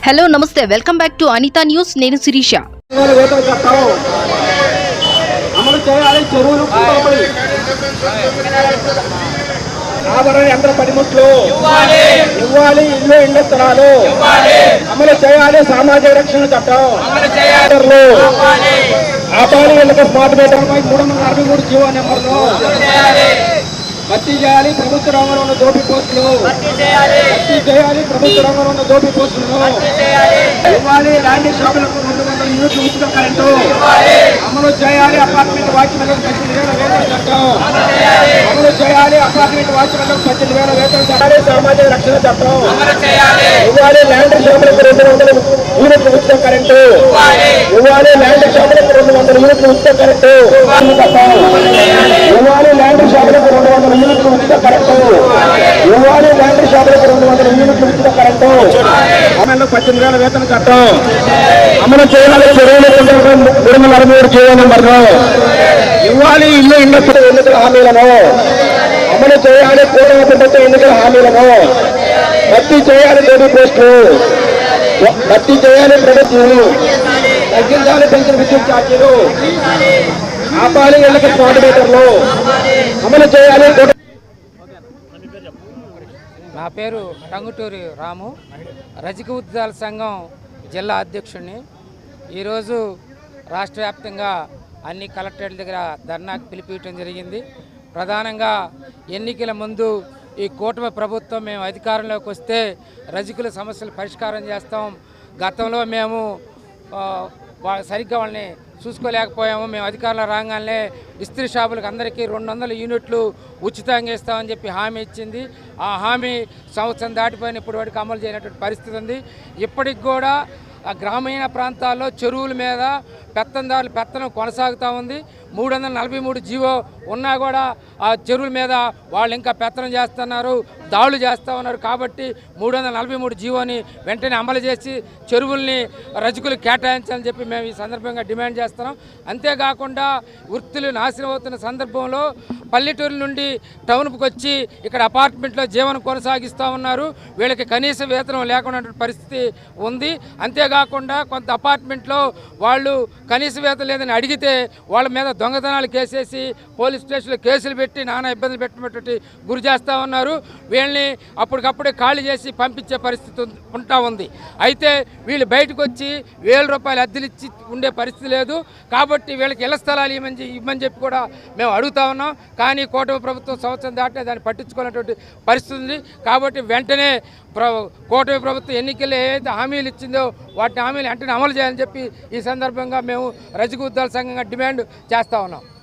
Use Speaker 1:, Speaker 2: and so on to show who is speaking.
Speaker 1: Hello నమస్తే welcome back to Anitha news నేను శిరీష
Speaker 2: అమలు చేయాలి చెరువులు యంత్ర పనిముట్లు ఇవ్వాలి ఇల్లు ఇళ్ల స్థలాలు అమలు చేయాలి సామాజిక రక్షణ చట్టం ఆపాలి ఇళ్లకు స్మార్ట్ మీటర్ 363 జీవో నెంబర్లు భర్తీ చేయాలి ప్రభుత్వ రంగంలో ఉన్న దోపి పోస్టులు భర్తీ చేయాలి ప్రభుత్వ రంగంలో ఉన్న దోపి పోస్టులు ఇవ్వాలి ల్యాండ్ షాపులకు 200 యూనిట్లు ఉచిత కరెంటు అమలు చేయాలి అపార్ట్మెంట్ వాచ్మెన్లకు 18,000 వేతన చట్టం అమలు చేయాలి అపార్ట్మెంట్ వాచ్మెన్లకు 18,000 వేతన చట్టాలు సామాజిక రక్షణ చట్టం ఇవ్వాలి ల్యాండ్ షాపులకు 200 యూనిట్లు ఉచిత కరెంటు ఇవ్వాలి ల్యాండ్ షాపులకు 200 యూనిట్లు ఉచిత కరెంటు ఇవ్వాలి ల్యాండ్ షాపులకు 200 యూనిట్లు ఉచిత కరెంటు ఇవ్వాలి ల్యాండ్ షాపులకు 200 యూనిట్లు ఉచిత కరెంటు 18,000 వేతన చట్టం అమలు చేయాలి చెరువులు 363 జీవో నెంబర్లు ఇవ్వాలి ఇల్లు ఇళ్ల ఎన్నికల హామీలను అమలు చేయాలి కూటమి ప్రభుత్వ ఎన్నికల హామీలను భర్తీ చేయాలి డోబీ పోస్టులు భర్తీ చేయాలి ప్రభుత్వాలు తగ్గించాలి పెన్షన్ విద్యుత్ ఛార్జీలు ఆపాలి ఇళ్లకు స్మార్ట్ మీటర్లు అమలు చేయాలి.
Speaker 3: నా పేరు టంగుటూరి రాము, రజక ఉద్యోగాల సంఘం జిల్లా అధ్యక్షుడిని. ఈరోజు రాష్ట్ర వ్యాప్తంగా అన్ని కలెక్టరేట్ల దగ్గర ధర్నాకు పిలిపించడం జరిగింది. ప్రధానంగా ఎన్నికల ముందు ఈ కూటమి ప్రభుత్వం మేము అధికారంలోకి వస్తే రజకుల సమస్యలు పరిష్కారం చేస్తాం. గతంలో మేము సరిగ్గా వాళ్ళని చూసుకోలేకపోయాము. మేము అధికారంలో రాగానే ఇస్త్రీ షాపులకు అందరికీ 200 యూనిట్లు ఉచితంగా ఇస్తామని చెప్పి హామీ ఇచ్చింది. ఆ హామీ సంవత్సరం దాటిపోయిన ఇప్పటి వరకు అమలు చేయనటువంటి పరిస్థితి ఉంది. ఇప్పటికి కూడా ఆ గ్రామీణ ప్రాంతాల్లో చెరువుల మీద పెత్తందారుల పెత్తనం కొనసాగుతూ ఉంది. 343 జీవో ఉన్నా కూడా ఆ చెరువుల మీద వాళ్ళు ఇంకా పెత్తనం చేస్తున్నారు, దాడులు చేస్తూ ఉన్నారు. కాబట్టి 343 జీవోని వెంటనే అమలు చేసి చెరువుల్ని రజకులు కేటాయించాలని చెప్పి మేము ఈ సందర్భంగా డిమాండ్ చేస్తున్నాం. అంతేకాకుండా వృత్తులు నాశనం అవుతున్న సందర్భంలో పల్లెటూరు నుండి టౌన్కి వచ్చి ఇక్కడ అపార్ట్మెంట్లో జీవనం కొనసాగిస్తూ ఉన్నారు. వీళ్ళకి కనీస వేతనం లేకుండా పరిస్థితి ఉంది. అంతేకాకుండా కొంత అపార్ట్మెంట్లో వాళ్ళు కనీస వేతనం లేదని అడిగితే వాళ్ళ మీద దొంగతనాలు కేసేసి పోలీస్ స్టేషన్లో కేసులు పెట్టి నానా ఇబ్బందులు పెట్టినటువంటి గురి చేస్తూ ఉన్నారు. వీళ్ళని అప్పటికప్పుడే ఖాళీ చేసి పంపించే పరిస్థితి ఉంటా ఉంది. అయితే వీళ్ళు బయటకు వచ్చి 1,000 రూపాయలు అద్దెలు ఇచ్చి ఉండే పరిస్థితి లేదు. కాబట్టి వీళ్ళకి ఇళ్ల స్థలాలు ఇవ్వమని చెప్పి కూడా మేము అడుగుతా ఉన్నాం. కానీ కూటమి ప్రభుత్వం సంవత్సరం దాటితే దాన్ని పట్టించుకున్నటువంటి పరిస్థితి ఉంది. కాబట్టి వెంటనే కూటమి ప్రభుత్వం ఎన్నికల్లో ఏదైతే హామీలు ఇచ్చిందో వాటి హామీలు వెంటనే అమలు చేయాలని చెప్పి ఈ సందర్భంగా మేము రజక ఉద్యోగాల సంఘంగా డిమాండ్ చేస్తూ ఉన్నాం.